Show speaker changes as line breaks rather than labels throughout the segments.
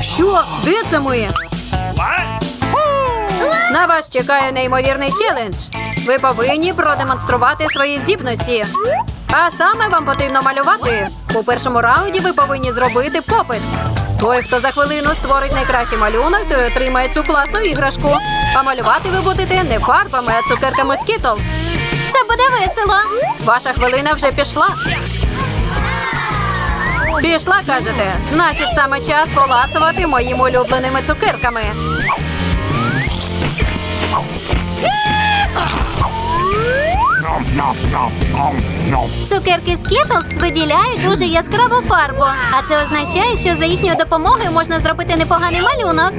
Що? Де це ми? На вас чекає неймовірний челендж. Ви повинні продемонструвати свої здібності. А саме вам потрібно малювати. У першому раунді ви повинні зробити попит. Той, хто за хвилину створить найкращий малюнок, той отримає цю класну іграшку. А малювати ви будете не фарбами, а цукерками Skittles. Це буде весело. Ваша хвилина вже пішла. Пішла, кажете? Значить, саме час поласувати моїми улюбленими цукерками. Цукерки Skittles виділяють дуже яскраву фарбу. А це означає, що за їхньою допомогою можна зробити непоганий малюнок.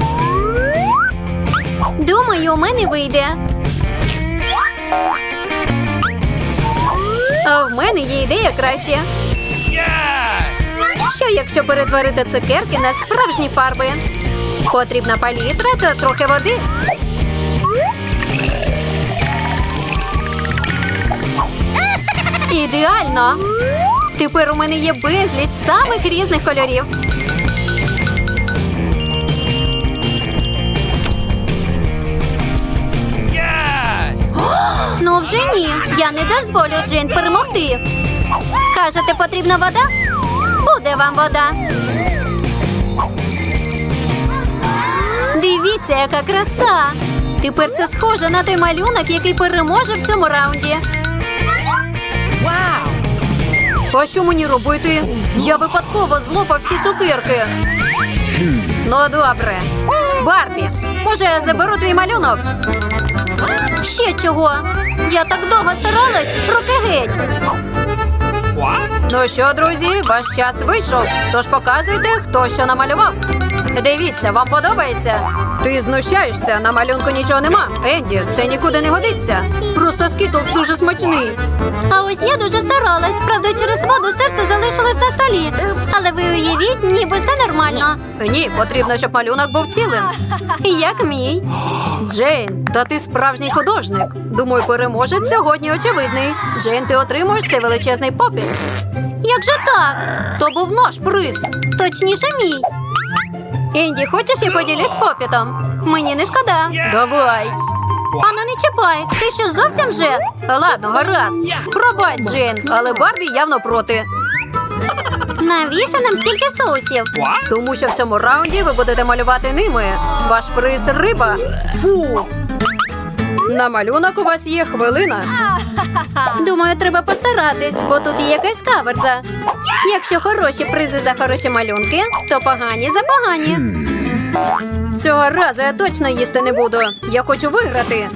Думаю, у мене вийде. А в мене є ідея краще. Що, якщо перетворити цукерки на справжні фарби? Потрібна палітра та трохи води. Ідеально! Тепер у мене є безліч самих різних кольорів. Ну вже ні. Я не дозволю Джейн перемогти. Кажете, потрібна вода? Буде вам вода. Дивіться, яка краса! Тепер це схоже на той малюнок, який переможе в цьому раунді. А що мені робити? Я випадково злопав всі цукерки. Ну, добре. Барбі, може, я заберу твій малюнок? Ще чого? Я так довго старалась, руки геть. Ну що, друзі, ваш час вийшов. Тож показуйте, хто що намалював. Дивіться, вам подобається? Ти знущаєшся, на малюнку нічого нема. Енді, це нікуди не годиться. Просто Skittles дуже смачний. А ось я дуже старалась. Правда, через воду серце залишилось на столі. Але ви уявіть, ніби все нормально. Ні, потрібно, щоб малюнок був цілим. Як мій. Джейн, та ти справжній художник. Думаю, переможець сьогодні очевидний. Джейн, ти отримуєш цей величезний попіт. Як же так? То був наш приз. Точніше, мій. Енді, хочеш, я поділюсь попітом? Мені не шкода. Давай. Ану, не чіпай. Ти що, зовсім вже? Ладно, гаразд. Пробач, Джейн, але Барбі явно проти. Навіщо нам стільки соусів? Тому що в цьому раунді ви будете малювати ними. Ваш приз – риба. Фу. На малюнок у вас є хвилина. Думаю, треба постаратись, бо тут є якась каверза. Якщо хороші призи за хороші малюнки, то погані за погані. Цього разу я точно їсти не буду. Я хочу виграти.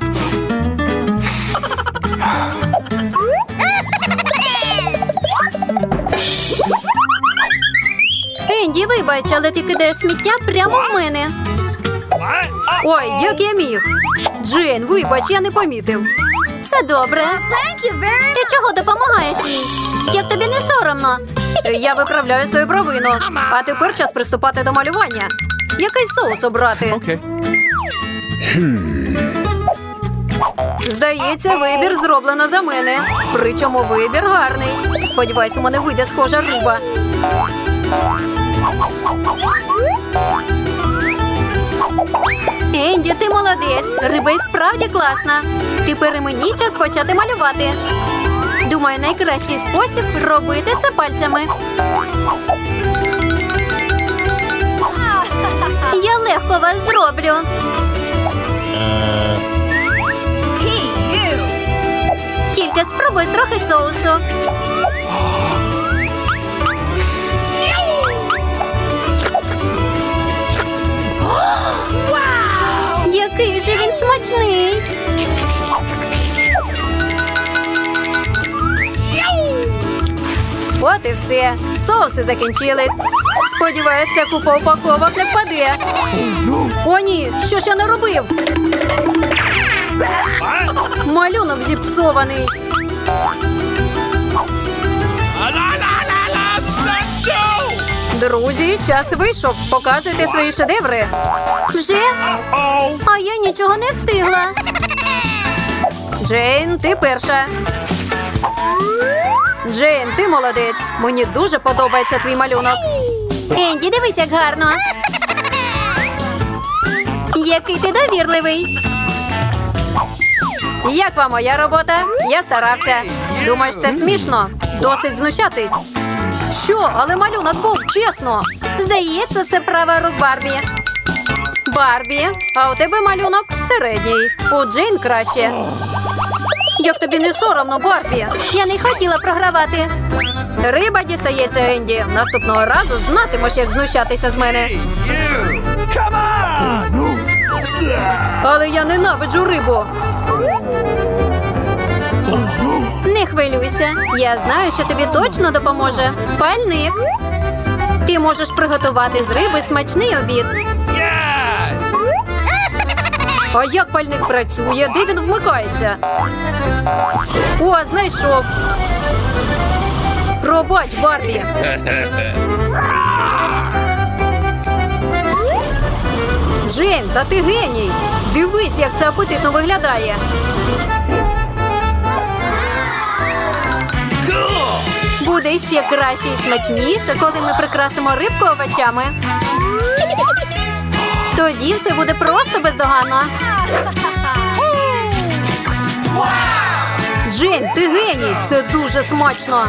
Енді, вибач, але ти кидаєш сміття прямо в мене. Ой, як я міг. Джейн, вибач, я не помітив. Все добре. Ти чого допомагаєш їй? Як тобі не соромно? Я виправляю свою провину. А тепер час приступати до малювання. Який соус обрати? Здається, вибір зроблено за мене. Причому вибір гарний. Сподіваюсь, у мене вийде схожа риба. Енді, ти молодець. Риба й справді класна. Тепер і мені час почати малювати. Думаю, найкращий спосіб робити це пальцями. Я легко вас зроблю. Тільки спробуй трохи соусу. Який же він смачний! От і все. Соуси закінчились. Сподіваюся, купа упаковок не впаде. О, ні! Що ж я наробив? Малюнок зіпсований. Друзі, час вийшов. Показуйте свої шедеври. Вже? А я нічого не встигла. Джейн, ти перша. Джейн, ти молодець. Мені дуже подобається твій малюнок. Енді, дивись, як гарно. Який ти довірливий. Як вам моя робота? Я старався. Думаєш, це смішно? Досить знущатись. Що? Але малюнок був, чесно. Здається, це права рук Барбі. Барбі, а у тебе малюнок середній. У Джейн краще. Як тобі не соромно, Барбі? Я не хотіла програвати. Риба дістається, Енді. Наступного разу знатимеш, як знущатися з мене. Але я ненавиджу рибу. Не хвилюйся. Я знаю, що тобі точно допоможе. Пальник. Ти можеш приготувати з риби смачний обід. А як пальник працює? Де він вмикається? О, знайшов. Пробач, Барбі. Джейн, та ти геній. Дивись, як це апетитно виглядає. Буде ще краще і смачніше, коли ми прикрасимо рибку овочами. Тоді все буде просто бездоганно. Джейн, ти геній! Це дуже смачно!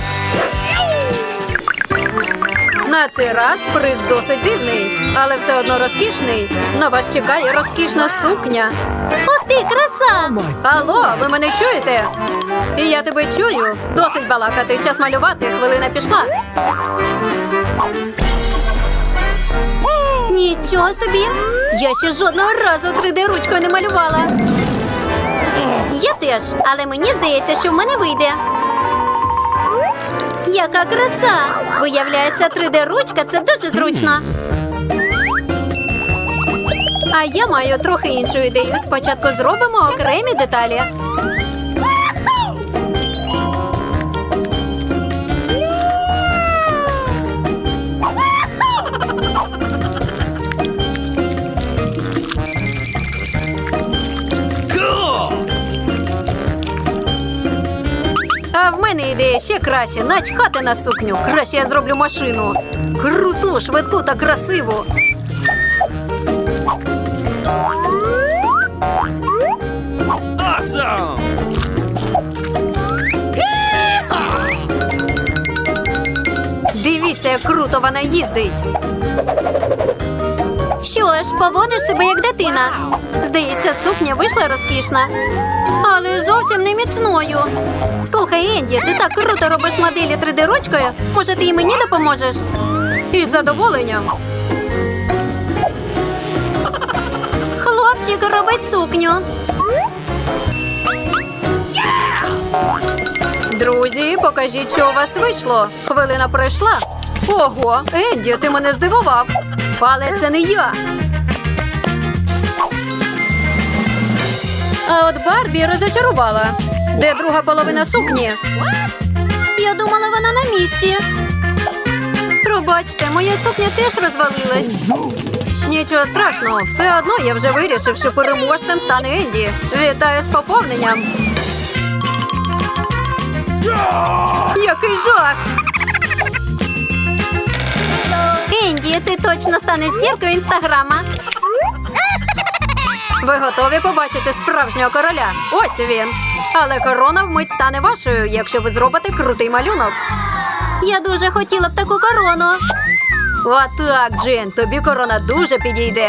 На цей раз приз досить дивний, але все одно розкішний. На вас чекає розкішна сукня. Ох ти, краса! Алло, ви мене чуєте? Я тебе чую. Досить балакати, час малювати, хвилина пішла. Нічого собі! Я ще жодного разу 3D-ручкою не малювала. Я теж, але мені здається, що в мене вийде. Яка краса! Виявляється, 3D-ручка – це дуже зручно. А я маю трохи іншу ідею. Спочатку зробимо окремі деталі. А в мене ідея ще краще. Начхати на сукню. Краще я зроблю машину. Круту, швидку та красиву.
Awesome!
Дивіться, як круто вона їздить. Що ж, поводиш себе як дитина. Здається, сукня вийшла розкішна. Але зовсім не міцною. Слухай, Енді, ти так круто робиш моделі 3D-ручкою. Може, ти і мені допоможеш? Із задоволенням. Хлопчик робить сукню. Друзі, покажіть, що у вас вийшло. Хвилина пройшла. Ого, Енді, ти мене здивував. Але це не я. А от Барбі розочарувала. Де друга половина сукні? Я думала, вона на місці. Пробачте, моя сукня теж розвалилась. Нічого страшного, все одно я вже вирішив, що переможцем стане Енді. Вітаю з поповненням. Який жах! Енді, ти точно станеш зіркою інстаграма. Ви готові побачити справжнього короля? Ось він. Але корона вмить стане вашою, якщо ви зробите крутий малюнок. Я дуже хотіла б таку корону. Отак, Джин, тобі корона дуже підійде.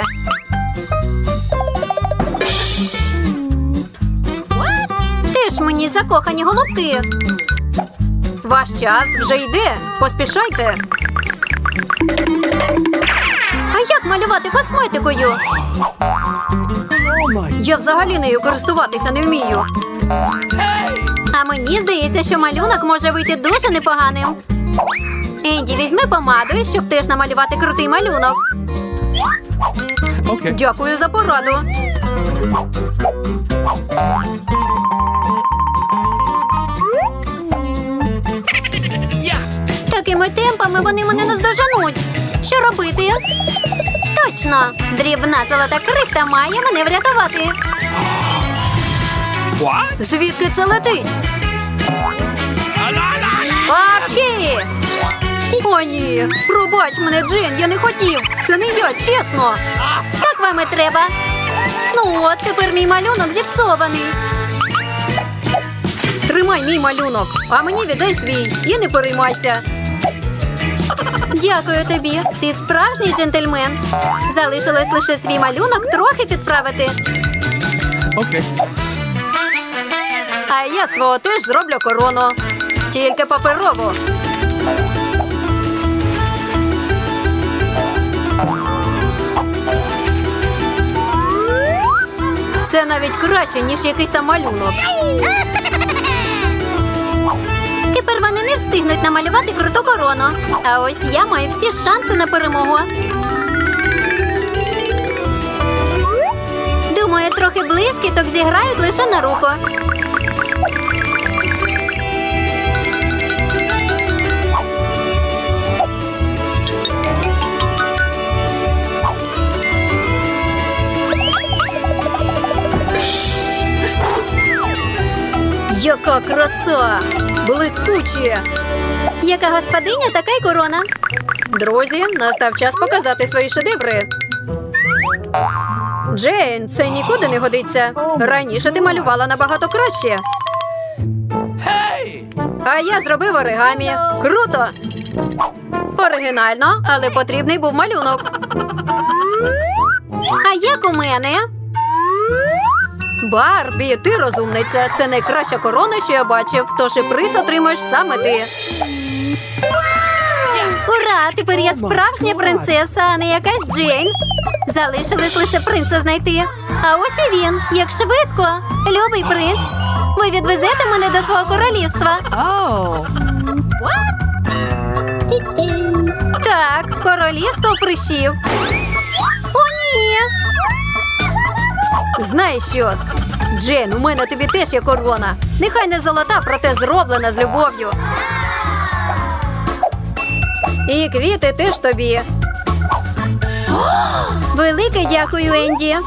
Ти ж мені закохані голубки. Ваш час вже йде. Поспішайте. А як малювати косметикою? Я взагалі нею користуватися не вмію. А мені здається, що малюнок може вийти дуже непоганим. Енді, візьми помаду, щоб теж намалювати крутий малюнок.
Okay.
Дякую за пораду. Такими темпами вони мене наздоженуть. Що робити? Точно! Дрібна золота крихта має мене врятувати.
What?
Звідки це летить? Апчі! О, ні. Пробач мене, Джейн, я не хотів. Це не я, чесно. Так вам і треба. Ну от, тепер мій малюнок зіпсований. Тримай мій малюнок, а мені віддай свій і не переймайся. Дякую тобі. Ти справжній джентльмен. Залишилось лише свій малюнок трохи підправити.
Окей.
А я з твого теж зроблю корону. Тільки паперову. Це навіть краще, ніж якийсь там малюнок. Тепер вони не встигнуть намалювати круту корону. А ось я маю всі шанси на перемогу. Думаю, трохи блискіток зіграють лише на руку. Яка краса! Блискуче! Яка господиня, така й корона. Друзі, настав час показати свої шедеври. Джейн, це нікуди не годиться. Раніше ти малювала набагато краще. А я зробив оригамі. Круто! Оригінально, але потрібний був малюнок. А як у мене? Барбі, ти розумниця. Це найкраща корона, що я бачив, тож і приз отримаєш саме ти. Ура! Тепер я справжня принцеса, а не якась Джейн. Залишилось лише принца знайти. А ось і він. Як швидко. Любий принц, ви відвезете мене до свого королівства. Так, королівство прищів. О, ні! Знаєш що? Джейн, у мене тобі теж є корона. Нехай не золота, проте зроблена з любов'ю. І квіти теж тобі. Велике дякую, Енді.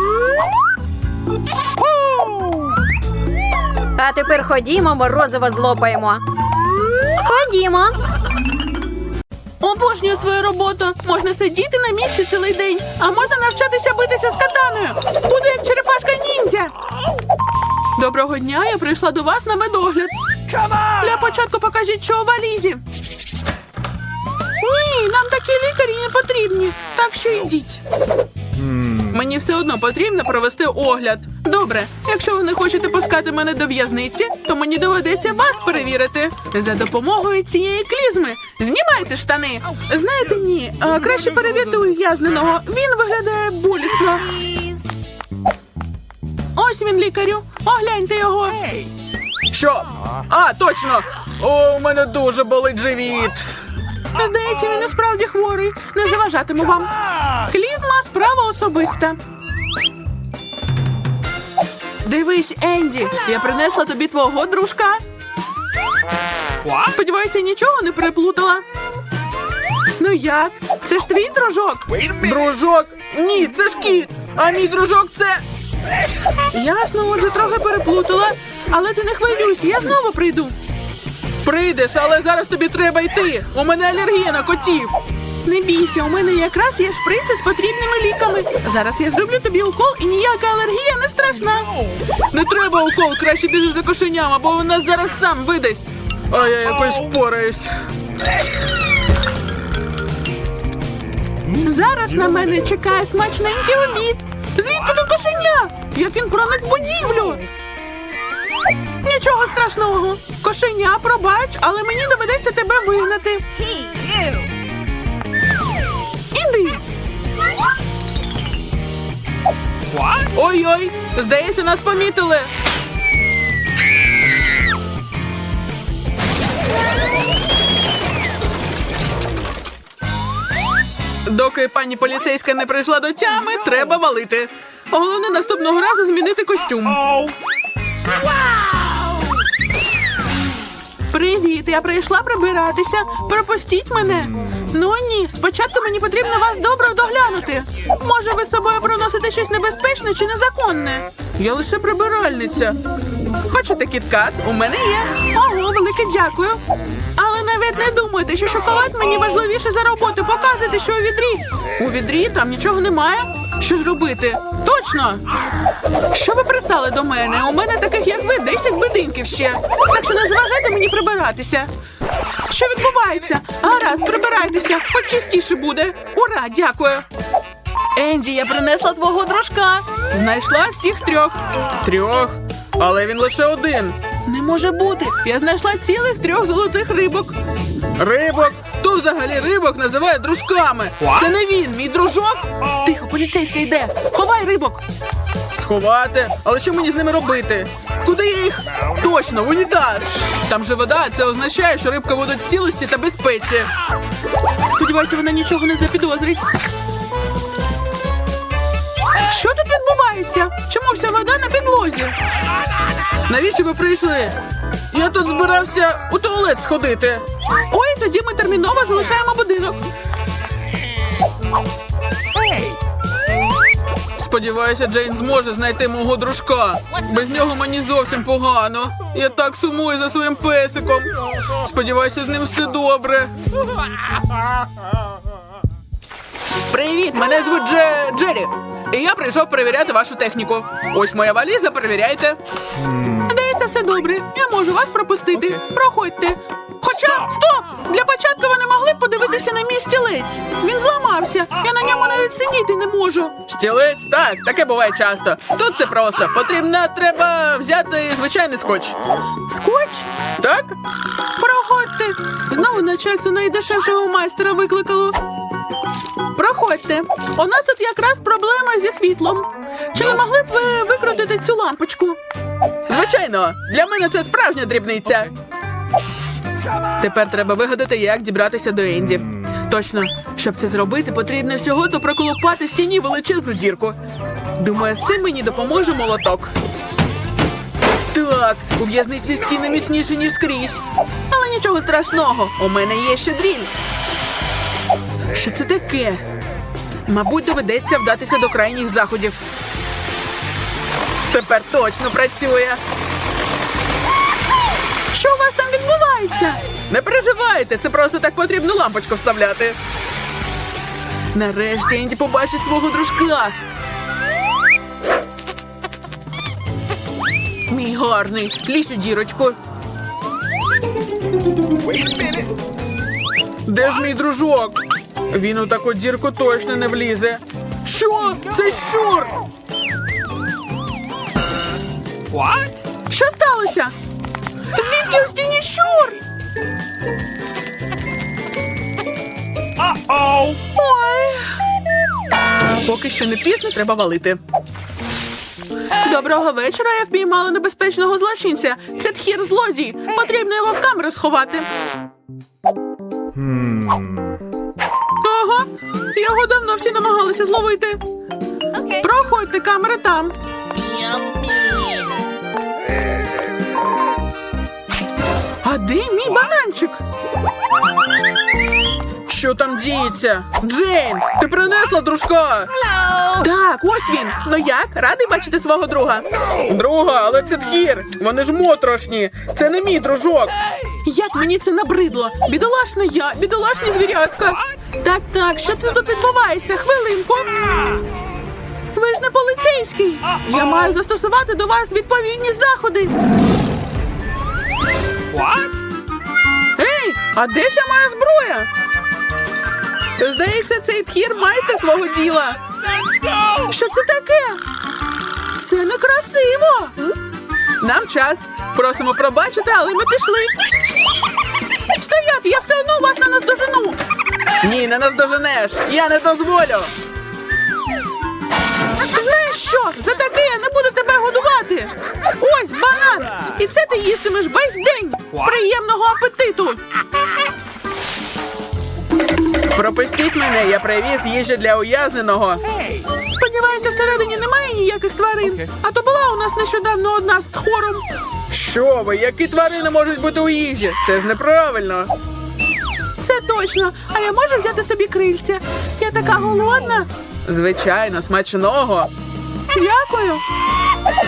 А тепер ходімо, морозиво злопаємо. Ходімо.
Обожнюю свою роботу. Можна сидіти на місці цілий день, а можна навчатися битися з катаною. Буду як черепашка-ніндзя. Доброго дня, я прийшла до вас на медогляд. Для початку покажіть, що у валізі. Ні, нам такі лікарі не потрібні, так що йдіть. Мені все одно потрібно провести огляд. Добре, якщо ви не хочете пускати мене до в'язниці, то мені доведеться вас перевірити. За допомогою цієї клізми. Знімайте штани. Знаєте, ні, краще перевірте ув'язненого. Він виглядає болісно. Ось він, лікарю. Огляньте його.
Що? А, точно! О, у мене дуже болить живіт.
Здається, він і справді хворий. Не заважатиму вам. Клізма – справа особиста. Дивись, Енді, я принесла тобі твого дружка. Сподіваюся, нічого не переплутала. Ну як? Це ж твій дружок?
Дружок? Ні, це ж кіт. А мій дружок це...
Ясно, отже, трохи переплутала. Але ти не хвилюйся, я знову прийду.
Прийдеш, але зараз тобі треба йти. У мене алергія на котів.
Не бійся, у мене якраз є шприци з потрібними ліками. Зараз я зроблю тобі укол, і ніяка алергія не страшна.
Не треба укол, краще біжи за кошеням, або він нас зараз сам видасть. А я якось впораюсь.
Зараз на мене чекає смачненький обід. Звідки до кошеня? Як він проник в будівлю? Нічого страшного. Кошеня, пробач, але мені доведеться тебе вигнати. Іди.
Ой-ой, здається, нас помітили. Доки пані поліцейська не прийшла до тями, треба валити. Головне наступного разу змінити костюм.
Привіт, я прийшла прибиратися. Пропустіть мене. Ну ні, спочатку мені потрібно вас добре доглянути. Може, ви з собою проносите щось небезпечне чи незаконне?
Я лише прибиральниця. Хочете кіткат? У мене є.
Ого, велике дякую. Але навіть навіть не думайте, що шоколад мені важливіше за роботу. Показуйте, що у відрі. У відрі там нічого немає. Що ж робити? Точно! Що ви пристали до мене? У мене таких, як ви, 10 будинків ще. Так що не заважайте мені прибиратися. Що відбувається? Гаразд, прибирайтеся, хоч чистіше буде. Ура, дякую. Енді, я принесла твого дружка. Знайшла всіх 3.
3? Але він лише один.
Не може бути. Я знайшла цілих 3 золотих рибок.
Рибок? Хто взагалі рибок називає дружками?
Це не він, мій дружок. Тихо, поліцейська йде. Ховай рибок.
Сховати? Але що мені з ними робити? Куди я їх? Точно, в унітаз! Там же вода, це означає, що рибка будуть в цілості та безпеці.
Сподіваюся, вона нічого не запідозрить. Що тут відбувається? Чому вся вода на підлозі?
Навіщо ви прийшли? Я тут збирався у туалет сходити.
Ой, тоді ми терміново залишаємо будинок.
Сподіваюся, Джейн зможе знайти мого дружка. Без нього мені зовсім погано. Я так сумую за своїм песиком. Сподіваюся, з ним все добре. Привіт, мене звуть Джері. І я прийшов перевіряти вашу техніку. Ось моя валіза, перевіряйте.
Здається, все добре. Я можу вас пропустити. Проходьте. Хоча, стоп! Для початку ви не могли б подивитися на мій стілець. Він зламався. Я на ньому навіть сидіти не можу.
Стілець? Так, таке буває часто. Тут все просто. Треба взяти звичайний скотч.
Скотч?
Так?
Проходьте. Знову начальство найдешевшого майстера викликало. Проходьте. У нас тут якраз проблема зі світлом. Чи не могли б ви викрутити цю лампочку?
Звичайно. Для мене це справжня дрібниця. Тепер треба вигадати, як дібратися до Енді. Точно, щоб це зробити, потрібно всього-то проколупати в стіні величезну дірку. Думаю, з цим мені допоможе молоток. Так, у в'язниці стіни міцніші, ніж скрізь. Але нічого страшного, у мене є ще дріль. Що це таке? Мабуть, доведеться вдатися до крайніх заходів. Тепер точно працює.
Що у вас там відбувається?
Не переживайте, це просто так потрібно лампочку вставляти. Нарешті Енді побачить свого дружка. Мій гарний, лізь у дірочку. Де ж мій дружок? Він у таку дірку точно не влізе. Що? Це щур!
Що сталося? Звідки у стіні щур? Ой.
Поки що не пізно, треба валити.
Доброго вечора, я впіймала небезпечного злочинця. Це тхір-злодій. Потрібно його в камеру сховати. Ага, його давно всі намагалися зловити. Проходьте, камера там. А де мій бананчик?
Що там діється? Джейн, ти принесла дружка?
Так, ось він. Ну як? Радий бачити свого друга?
Друга, але це тхір. Вони ж моторошні. Це не мій дружок.
Як мені це набридло? Бідолашна я, бідолашні звірятка. Так, що це тут відбувається? Хвилинку. Ви ж не поліцейський. Я маю застосувати до вас відповідні заходи. Ей, а де ще моя зброя? Здається, цей тхір майстер свого діла. Що це таке? Це некрасиво.
Нам час. Просимо пробачити, але ми пішли.
Стояти, я все одно вас не наздожену.
Ні, не наздоженеш. Я не дозволю.
Знаєш що? За таке я не буду тебе годувати. Ось банан. І це ти їстимеш весь день. Приємного апетиту.
Пропустіть мене, я привіз їжу для ув'язненого.
Сподіваюся, всередині немає ніяких тварин. А то була у нас нещодавно одна з тхором.
Що ви, які тварини можуть бути у їжі? Це ж неправильно.
Це точно. А я можу взяти собі крильця? Я така голодна.
Звичайно, смачного.
Дякую.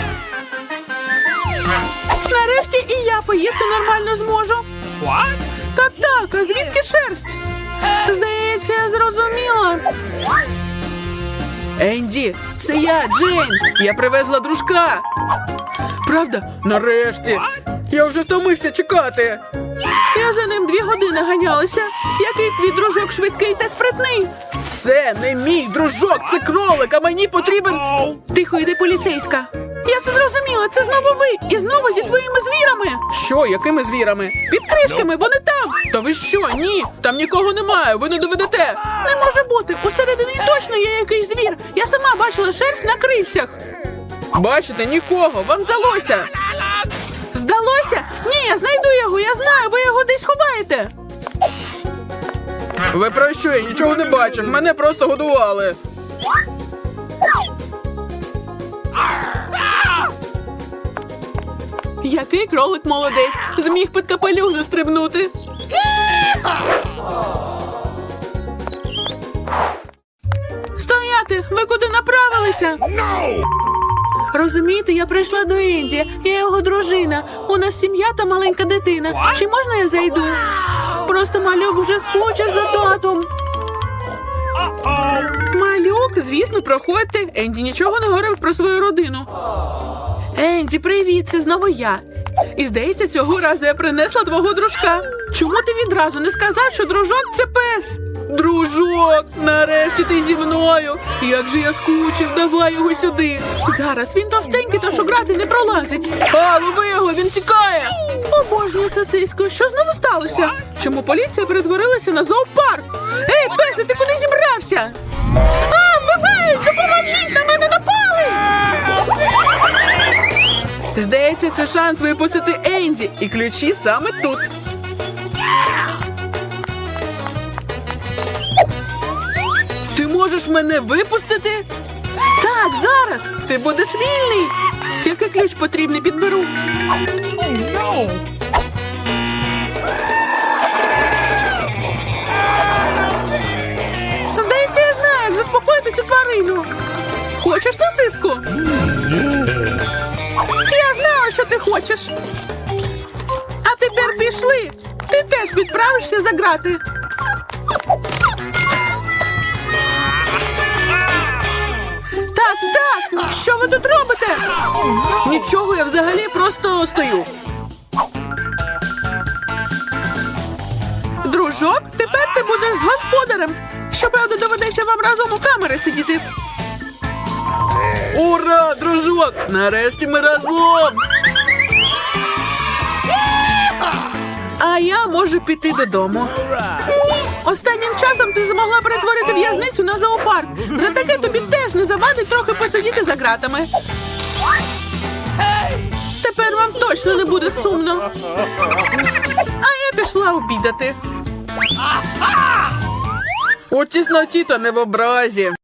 Нарешті і я поїсти нормально зможу. Так, а звідки шерсть? Здається, я зрозуміла.
Енді, це я, Джейн. Я привезла дружка. Правда? Нарешті. Я вже втомився чекати.
Я за ним 2 години ганялася. Який твій дружок швидкий та спритний?
Це не мій дружок, це кролик, а мені потрібен...
Тихо, йди поліцейська. Я все зрозуміла, це знову ви. І знову зі своїми звірами.
Що, якими звірами?
Під кришками, вони там.
Та ви що? Ні, там нікого немає, ви не доведете.
Не може бути. Усередині точно є якийсь звір. Я сама бачила шерсть на крильцях.
Бачите, нікого, вам здалося.
Здалося? Ні, я знайду його, я знаю, ви його десь ховаєте.
Ви про що? Я нічого не бачив, мене просто годували.
Який кролик молодець. Зміг під капелюх застрибнути. Стояти! Ви куди направилися? Розумієте, я прийшла до Енді. Я його дружина. У нас сім'я та маленька дитина. Чи можна я зайду? Просто малюк вже скучив за татом.
Малюк, звісно, проходьте. Енді нічого не говорив про свою родину.
Енді, привіт, це знову я. І здається, цього разу я принесла твого дружка. Чому ти відразу не сказав, що дружок – це пес?
Дружок, нарешті ти зі мною. Як же я скучив, давай його сюди.
Зараз він товстенький, тож у грати не пролазить.
А, лови його, він тікає.
Обожнюю сосиську. Що знову сталося? Чому поліція перетворилася на зоопарк? Ей, песе, ти куди зібрався? А, вбивають! Допоможіть! На мене напали!
Здається, це шанс випустити Енді. І ключі саме тут. Ти можеш мене випустити?
Так, зараз! Ти будеш вільний! Тільки ключ потрібний підберу. Здається, я знаю, як заспокоїти цю тварину. Хочеш сосиску? Я знала, що ти хочеш. А тепер пішли. Ти теж відправишся за грати. Так, що ви тут робите?
Нічого, я взагалі просто стою.
Дружок, тепер ти будеш з господарем. Щоправда, доведеться вам разом у камери сидіти.
Ура, дружок! Нарешті ми разом!
А я можу піти додому. Ні, останнім часом ти змогла перетворити в'язницю на зоопарк. За таке тобі теж не завадить трохи посидіти за ґратами. Тепер вам точно не буде сумно. А я пішла обідати.
У тісноті та не в образі.